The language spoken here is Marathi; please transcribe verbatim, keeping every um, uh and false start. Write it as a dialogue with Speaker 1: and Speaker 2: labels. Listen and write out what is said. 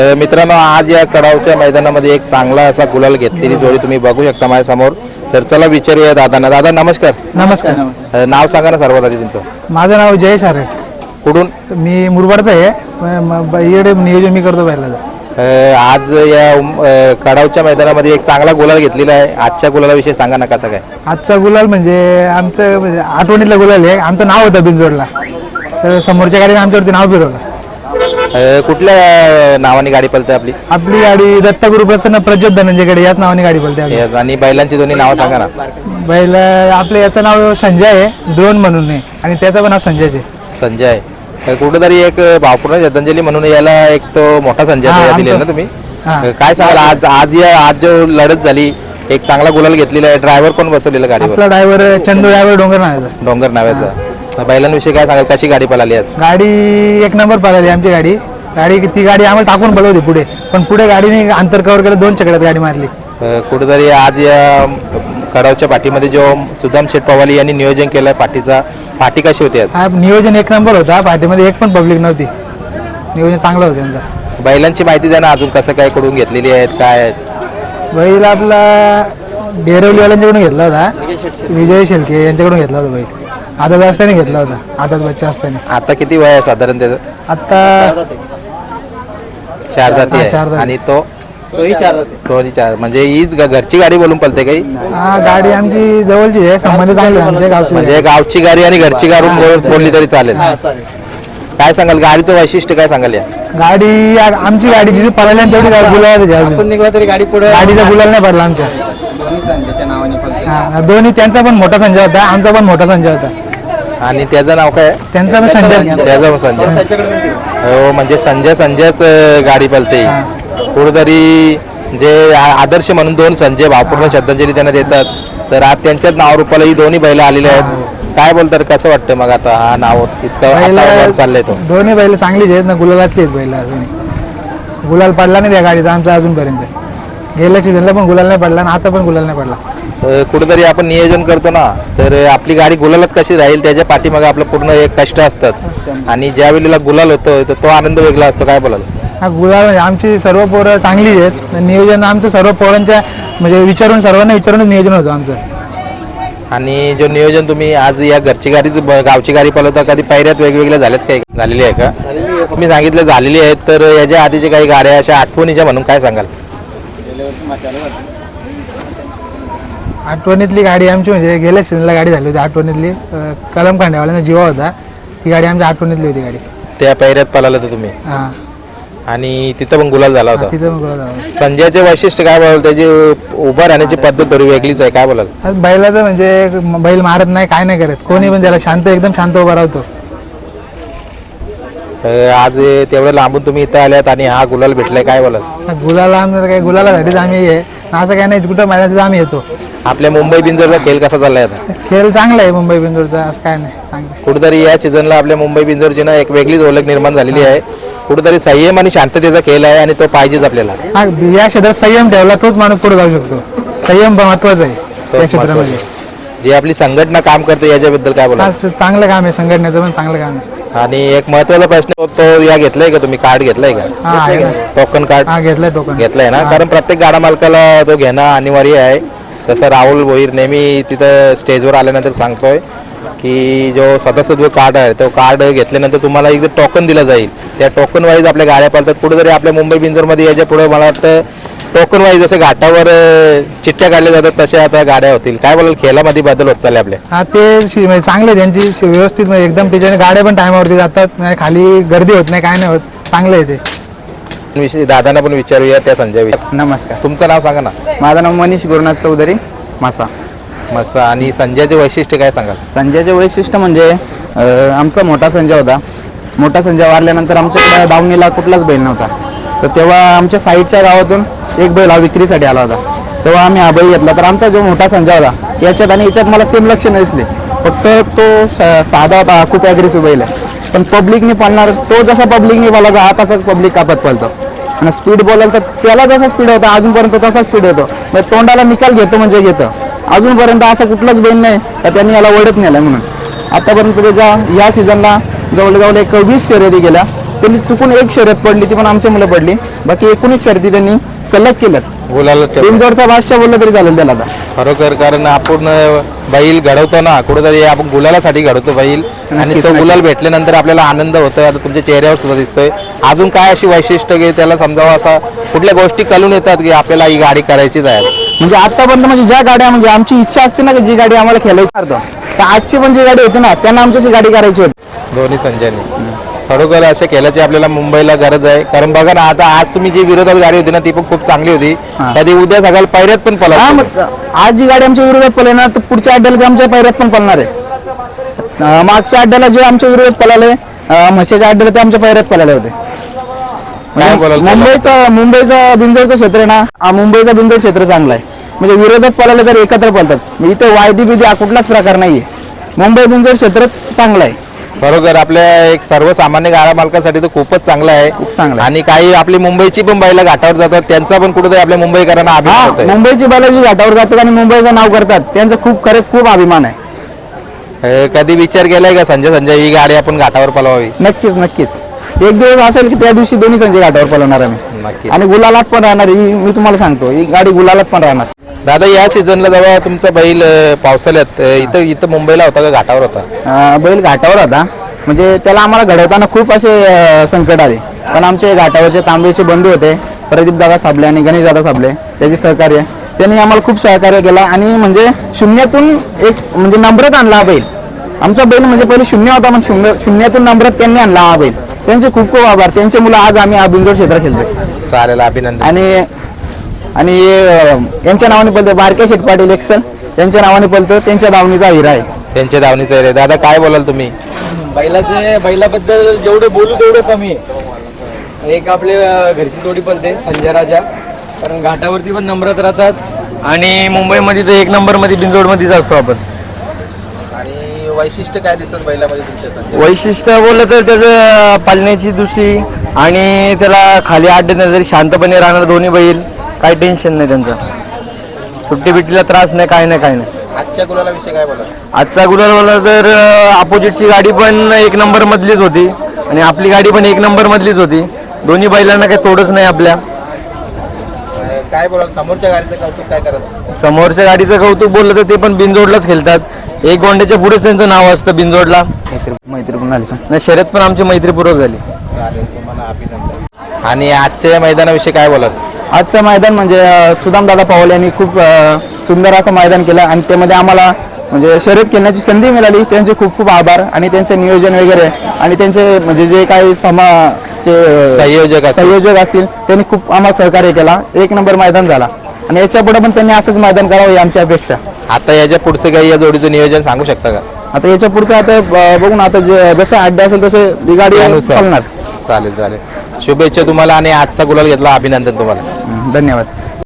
Speaker 1: मित्रांनो, आज या कडावच्या मैदानामध्ये एक चांगला असा गुलाल घेतलेली जोडी तुम्ही बघू शकता माझ्या समोर. तर चला विचारूया दादांना. दादा नमस्कार.
Speaker 2: नमस्कार.
Speaker 1: नाव सांगा ना सर्वात आधी तुमचं.
Speaker 2: माझं नाव जयेश आरे.
Speaker 1: कुठून?
Speaker 2: मी मुरबाडचा आहे. इकडे नियोजन मी करतो पहिला.
Speaker 1: आज या कडावच्या मैदानामध्ये एक चांगला गुलाल घेतलेला आहे. आजच्या गुलालाविषयी सांगा ना कसं काय.
Speaker 2: आजचा गुलाल म्हणजे आमचं म्हणजे आठवणीतला गुलाल आहे. आमचं नाव होतं बिनजोडला, तर समोरच्या गाडीने आमच्यावरती नाव फिरवलं.
Speaker 1: कुठल्या नावाने गाडी पळते आपली?
Speaker 2: आपली गाडी दत्तगुरु प्रसन्न प्रज्योत धनंजयकडे याच नावाने गाडी पळते.
Speaker 1: आणि बैलांची दोन्ही नावं सांगा ना.
Speaker 2: बैल आपलं याचं नाव संजय आहे, द्रोण म्हणून आहे, आणि त्याचं पण नाव संजयच आहे.
Speaker 1: संजय. कुठेतरी एक भावपूर्ण श्रद्धांजली म्हणून याला एक तो मोठा संजय दिले ना तुम्ही. काय सांगाल आज आज या आज जो लढत झाली, एक चांगला गुलाल घेतलेला आहे. ड्रायव्हर कोण बसवलेला गाडीवर?
Speaker 2: आपला ड्रायव्हर चंदू ड्रायव्हर डोंगर नावाचा.
Speaker 1: डोंगर नावाचा. बैलांविषयी काय सांगाल, कशी गाडी पळाली आज?
Speaker 2: गाडी एक नंबर पळाली आमची गाडी. गाडी ती गाडी आम्हाला टाकून पळवली पुढे, पण पुढे गाडीने अंतर कव्हर केलं, दोन चकड्यात गाडी मारली.
Speaker 1: कुठेतरी आज या कडावच्या पाठीमध्ये जो सुदाम शेठ पवाली यांनी नियोजन केलंय पाठीचा, पाठी कशी होती आज?
Speaker 2: नियोजन एक नंबर होता. पाठीमध्ये एक पण पब्लिक नव्हती. नियोजन चांगलं होतं त्यांचं.
Speaker 1: बैलांची माहिती द्या ना, अजून कसं काय कडून घेतलेली आहेत काय आहेत?
Speaker 2: बैल आपला डेरवलीवाल्यांच्याकडून घेतला होता, विजय शेलके यांच्याकडून घेतला होता बैल. आदत असताना घेतला होता, आदत बच्चा असताना.
Speaker 1: आता किती वय आहे साधारण त्याचं?
Speaker 2: आता
Speaker 1: चार जाती आहे. आणि तो
Speaker 3: तोही चार जाती.
Speaker 1: तोही चार. म्हणजे हीच घरची गाडी बोलून पळते काही?
Speaker 2: हा, गाडी आमची जवळची आहे, संबंध चांगले आमच्या गावची.
Speaker 1: म्हणजे गावची गाडी आणि घरची गाडी बोलली तरी चालेल. काय सांगाल गाडीचं वैशिष्ट्य काय सांगाल? या
Speaker 2: गाडी आमची गाडी जिथे पळाली तेवढी गुलाल
Speaker 3: निघला तरी गाडी पुढे,
Speaker 2: गाडीचा गुलाल नाही पडला आमच्या.
Speaker 3: संजयच्या नावाने पण.
Speaker 2: हा, दोन्ही. त्यांचा पण मोठा संजय होता, आमचा पण मोठा संजय होता.
Speaker 1: आणि त्याचं नाव काय?
Speaker 2: त्यांचा पण संजय.
Speaker 1: त्याचं पण संजय. हो, म्हणजे संजय संजयच गाडी पळते. कुठेतरी जे आदर्श म्हणून दोन संजय भावपूर्ण श्रद्धांजली त्यांना देतात, तर आज त्यांच्याच नाव रूपाला ही दोन्ही बैल आलेले आहेत. काय बोलतात, कसं वाटतं मग आता हा नाव इतकं चाललंय? तो दोन्ही
Speaker 2: बैल चांगलीच आहेत ना, गुलालातली आहेत बैल. अजून गुलाल पडला नाही त्या गाडीचा आमचा अजूनपर्यंत. गेल्या सीझनला पण गुलाल नाही पडला आणि आता पण गुलाल नाही पडला.
Speaker 1: कुठेतरी आपण नियोजन करतो ना, तर आपली गाडी गुलालात कशी राहील त्याच्या पाठीमागे आपलं पूर्ण एक कष्ट असतात. आणि ज्या वेळेला गुलाल होतो तर तो आनंद वेगळा असतो. काय बोलाल?
Speaker 2: हा, गुलाल म्हणजे आमची सर्व पोरं चांगली आहेत. नियोजन आमचं सर्व पोरांच्या म्हणजे विचारून, सर्वांना विचारूनच नियोजन होतं आमचं.
Speaker 1: आणि जो नियोजन तुम्ही आज या घरची गाडीच गावची गाडी पळवता, कधी पायऱ्यात वेगवेगळ्या झाल्यात काय? झालेली आहे का? तुम्ही सांगितलं झालेली आहेत, तर याच्या आधीच्या काही गाड्या अशा आठवणीच्या म्हणून काय सांगाल?
Speaker 2: आठवणीतली गाडी आमची म्हणजे गेल्या सीझनला गाडी झाली होती आठवणीतली. कलम खांडेवाल्यांचा जीवा होता, ती गाडी आमच्या आठवणीतली होती गाडी.
Speaker 1: त्या पायऱ्यात पळाला तर तुम्ही?
Speaker 2: हां.
Speaker 1: आणि तिथं पण गुलाल झाला होता.
Speaker 2: तिथं पण गुलाल झाला.
Speaker 1: संजयचे वैशिष्ट्य काय बोलाल? त्याची उभं राहण्याची पद्धत थोडी वेगळीच आहे. काय बोलाल?
Speaker 2: बैलाचं म्हणजे बैल मारत नाही, काय नाही करत, कोणी पण त्याला शांत, एकदम शांत उभा राहतो.
Speaker 1: आज तेवढं लांबून तुम्ही इथं आल्यात आणि हा गुलाल भेटलाय, काय बोलाल?
Speaker 2: गुलाला आमचं काय, गुलालासाठीच आम्ही आहे, असं काय नाही. कुठं मैदानात आम्ही येतो.
Speaker 1: आपल्या मुंबई बिंजोरचा खेळ कसा चाललाय आता?
Speaker 2: खेळ चांगला आहे मुंबई बिंजोरचा, असं काय नाही, चांगलं.
Speaker 1: कुठेतरी या सीझनला आपल्या मुंबई बिंजोरची ना एक वेगळीच ओळख निर्माण झालेली आहे. कुठेतरी संयम आणि शांततेचा खेळ आहे आणि तो पाहिजेच आपल्याला.
Speaker 2: हा, या क्षेत्रात संयम ठेवला तोच माणूस पुढे जाऊ शकतो. संयम महत्वाचा आहे या क्षेत्रामध्ये.
Speaker 1: जी आपली संघटना काम करते याच्याबद्दल काय बोला?
Speaker 2: चांगलं काम आहे, संघटनेचं पण चांगलं काम आहे.
Speaker 1: आणि एक महत्वाचा प्रश्न तो या घेतलाय का तुम्ही? कार्ड घेतलाय का?
Speaker 2: हा, आहे ना.
Speaker 1: Token card?
Speaker 2: हा, घेतलाय. टोकन
Speaker 1: घेतलाय ना? कारण प्रत्येक गाडा मालकाला तो घेणं अनिवार्य आहे. तसं राहुल भोईर नेहमी तिथं स्टेजवर आल्यानंतर सांगतोय की जो सदस्यत्व कार्ड आहे तो कार्ड घेतल्यानंतर तुम्हाला एक टोकन दिलं जाईल. त्या टोकन वाईज आपल्या गाड्या पालतात. कुठेतरी आपल्या मुंबई बिंजरमध्ये याच्या पुढे मला वाटतं टोकन वाईज जसं घाटावर चिठ्ठ्या काढल्या जातात तशा आता गाड्या होतील. काय बोलाल? खेळामध्ये बदल होत चालले आपल्या?
Speaker 2: हा, ते चांगले त्यांची व्यवस्थित म्हणजे एकदम त्याच्याने गाड्या पण टायमावरती जातात, खाली गर्दी होत नाही, काय नाही होत, चांगलं आहे ते.
Speaker 1: विषयी दादांना पण विचारूया त्या संजय.
Speaker 3: नमस्कार.
Speaker 1: तुमचं नाव सांगा ना.
Speaker 3: माझं नाव मनीष गुरुनाथ चौधरी, मासा.
Speaker 1: मसा. आणि संजयचे वैशिष्ट्य काय सांगाल?
Speaker 3: संजयचे वैशिष्ट्य म्हणजे आमचा मोठा संजय होता. मोठा संजय वारल्यानंतर आमच्याकडे दावणीला कुठलाच बैल नव्हता. तर तेव्हा आमच्या साईडच्या गावातून एक बैल हा विक्रीसाठी आला होता. तेव्हा आम्ही हा बैल घेतला. तर आमचा जो मोठा संजय होता याच्यात आणि याच्यात मला सेम लक्ष दिसले. फक्त तो साधा होता, खूप ॲग्रेसिव्ह बैल आहे. पण पब्लिकने पाळणार, तो जसा पब्लिकने बोलायचा हा तसा पब्लिक कापत पाळतो. आणि स्पीड बोलाल तर त्याला जसा स्पीड होता अजूनपर्यंत तसा स्पीड येतो. मग तोंडाला निकाल घेतो म्हणजे घेतं. अजूनपर्यंत असा कुठलाच बैल नाही का त्यांनी याला ओढत नेला. म्हणून आतापर्यंत त्याच्या या सीझनला जवळजवळ एक वीस शर्यती गेल्या. त्यांनी चुकून एक शर्यत पडली ती पण आमच्या मुलं पडली, बाकी एकोणीस शर्यती त्यांनी सलग केल्यात.
Speaker 1: गुलाला ठेव
Speaker 3: बिनजोडचा बादशाह बोललं तरी चालेल त्याला आता.
Speaker 1: खरोखर, कारण आपण बैल घडवतो ना कुठेतरी, आपण गुलालासाठी घडवतो बैल आणि
Speaker 3: नक्कीच,
Speaker 1: तो गुलाल
Speaker 3: नक्कीच.
Speaker 1: भेटल्यानंतर आपल्याला आनंद होतोय. आता तुमच्या चेहऱ्यावर सुद्धा दिसतोय. अजून काय अशी वैशिष्ट्य की त्याला समजावं, असा कुठल्या गोष्टी कळून येतात की आपल्याला ही गाडी करायचीच आहे?
Speaker 3: म्हणजे आतापर्यंत म्हणजे ज्या गाड्या म्हणजे आमची इच्छा असते ना की जी गाडी आम्हाला खेळायची अर्थ, तर आजची पण जी गाडी होती ना त्यांना आमच्याशी गाडी करायची होती.
Speaker 1: दोन्ही संजयने खरोखर असे केल्याची आपल्याला मुंबईला गरज आहे. कारण बघा ना, आता आज तुम्ही जी विरोधात गाडी होती ना ती पण खूप चांगली होती.
Speaker 3: हा.
Speaker 1: कधी उद्या सकाळ पैऱ्यात पण
Speaker 3: हा,
Speaker 1: पळा.
Speaker 3: मग आज जी गाडी आमच्या विरोधात पळेल ना तर पुढच्या अड्ड्याला ते आमच्या पैऱ्यात पण पळणार आहे. अं, मागच्या अड्ड्याला जे आमच्या विरोधात पळाले, अं, म्हशीच्या अड्ड्याला ते आमच्या पैऱ्यात पळाले होते.
Speaker 1: काय बोलाल
Speaker 3: म्हणजे मुंबईचा मुंबईचा बिंजोडचं क्षेत्र आहे ना, हा मुंबईचा बिंजोड क्षेत्र चांगला आहे. म्हणजे विरोधात पळाले तर एकत्र पळतात. म्हणजे इथे वायदी बिदी कुठलाच प्रकार नाहीये. मुंबई बिंजोड क्षेत्रच चांगलं आहे.
Speaker 1: खरोखर आपल्या एक सर्वसामान्य गाडा मालकासाठी तर खूपच चांगलं आहे.
Speaker 3: चांगलं आहे.
Speaker 1: आणि काही आपली मुंबईची पण बैला घाटावर जातात, त्यांचा पण कुठेतरी आपल्या मुंबईकरांना अभिमान
Speaker 3: हा,
Speaker 1: होतोय.
Speaker 3: मुंबईची बालाजी घाटावर जातात आणि मुंबईचं नाव करतात, त्यांचं खूप खरंच खूप अभिमान आहे.
Speaker 1: हे कधी विचार केलाय का संजय संजय ही गाडी आपण घाटावर पळवावी?
Speaker 3: नक्कीच नक्कीच एक दिवस असेल की त्या दिवशी दोन्ही संजय घाटावर पळवणार आम्ही.
Speaker 1: नक्की.
Speaker 3: आणि गुलालात पण राहणार ही मी तुम्हाला सांगतो, ही गाडी गुलालात पण राहणार.
Speaker 1: दादा, या सीझनला जेव्हा तुमचा बैल अं, पावसाळ्यात अं, इथं इथं मुंबईला होता का घाटावर होता?
Speaker 3: अं, बैल घाटावर होता. म्हणजे त्याला आम्हाला घडवताना खूप असे अं, संकट आले, पण आमचे घाटावरचे तांबेचे बंधू होते प्रदीप दादा साबले आणि गणेश दादा साबले, त्याचे सहकार्य, त्यांनी आम्हाला खूप सहकार्य केला. आणि म्हणजे शून्यातून एक म्हणजे नंबरात आणला हा बैल. आमचा बैल म्हणजे पहिले शून्य होता, पण शून्य शून्यातून नंबरात त्यांनी आणला हा बैल. त्यांचे खूप खूप आभार. त्यांचे मुलं आज आम्ही हा बिंजोड क्षेत्र खेळतोय.
Speaker 1: चालेल, अभिनंदन.
Speaker 3: आणि आणि अं, यांच्या नावाने पळतो बारके शेठ पाटील एक्सल, त्यांच्या नावाने पळतो, त्यांच्या दावणीचा हिरा आहे.
Speaker 1: त्यांच्या धावणीचं रे. दादा, काय बोलाल तुम्ही?
Speaker 4: बैलाचे बैलाबद्दल जेवढे बोलू तेवढे कमी आहे. एक आपले अं, घरची जोडी पळते संजय राजा, कारण घाटावरती पण नंबरात राहतात आणि मुंबईमध्ये तर एक नंबरमध्ये बिंजोडमध्येच असतो आपण.
Speaker 1: आणि वैशिष्ट्य काय दिसतात बैलामध्ये तुमच्या संजय?
Speaker 4: वैशिष्ट्य बोललं तर त्याचं पालण्याची दृष्टी आणि त्याला खाली आठ देण्यात तरी शांतपणे राहणार दोन्ही बैल, काही टेन्शन नाही त्यांचं. सुट्टी बिट्टीला त्रास नाही, काय नाही काय नाही.
Speaker 1: आजच्या गुलाला विषय काय बोला?
Speaker 4: आजचा गुलाल बोलला तर अपोजिटची गाडी पण एक नंबर मधलीच होती आणि आपली गाडी पण एक नंबर मधलीच होती. दोन्ही बैलांना काही तोडच नाही आपल्या.
Speaker 1: काय बोलाल समोरच्या गाडीचं कौतुक काय करत?
Speaker 4: समोरच्या गाडीचं कौतुक बोललं तर ते पण बिनजोडलाच खेळतात. एक गोंड्याच्या पुढेच त्यांचं नाव असतं बिनजोडला.
Speaker 3: मैत्री पण झाली.
Speaker 4: नाही, शर्यत पण आमची मैत्रीपूर्वक झाली.
Speaker 1: चालेल, तुम्हाला अभिनंदन. आणि आजच्या मैदानाविषयी काय बोलाल?
Speaker 3: आजचं मैदान म्हणजे सुदाम दादा पवाल यांनी खूप अं, सुंदर असं मैदान केलं आणि त्यामध्ये आम्हाला म्हणजे शर्यत खेळण्याची संधी मिळाली. त्यांचे खूप खूप आभार. आणि त्यांचे नियोजन वगैरे आणि त्यांचे म्हणजे जे काही समाजचे
Speaker 1: संयोजक असतील.
Speaker 3: संयोजक असतील त्यांनी खूप आम्हाला सहकार्य केला. एक नंबर मैदान झाला आणि याच्या पुढे पण त्यांनी असंच मैदान करावं ही आमची अपेक्षा.
Speaker 1: आता याच्या पुढचं काही या जोडीचं नियोजन सांगू शकता का?
Speaker 3: आता याच्या पुढचं आता अं, बघू ना, आता जे जसं अड्डे असेल तसे ही गाडी
Speaker 1: त्यानुसार.
Speaker 3: चालणार.
Speaker 1: चालेल चालेल. शुभेच्छा तुम्हाला आणि आजचा गुलाल घेतला, अभिनंदन तुम्हाला.
Speaker 3: धन्यवाद.